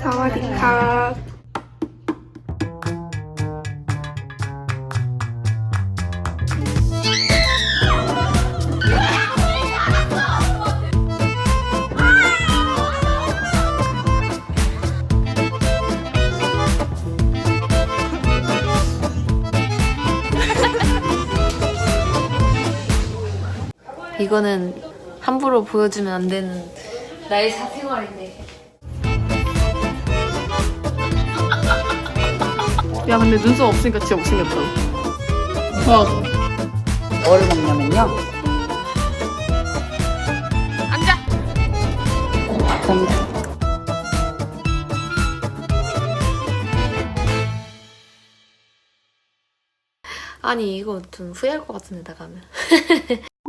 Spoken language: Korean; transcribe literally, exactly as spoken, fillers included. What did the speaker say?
사와디캅. 이거는 함부로 보여주면 안 되는 나의 사생활인데. 야 근데 눈썹 없으니까 진짜 못생겼다. 어. 뭐를 먹냐면요. 앉아. 감사합니다. 아니 이거 좀 후회할 것 같은데 나가면.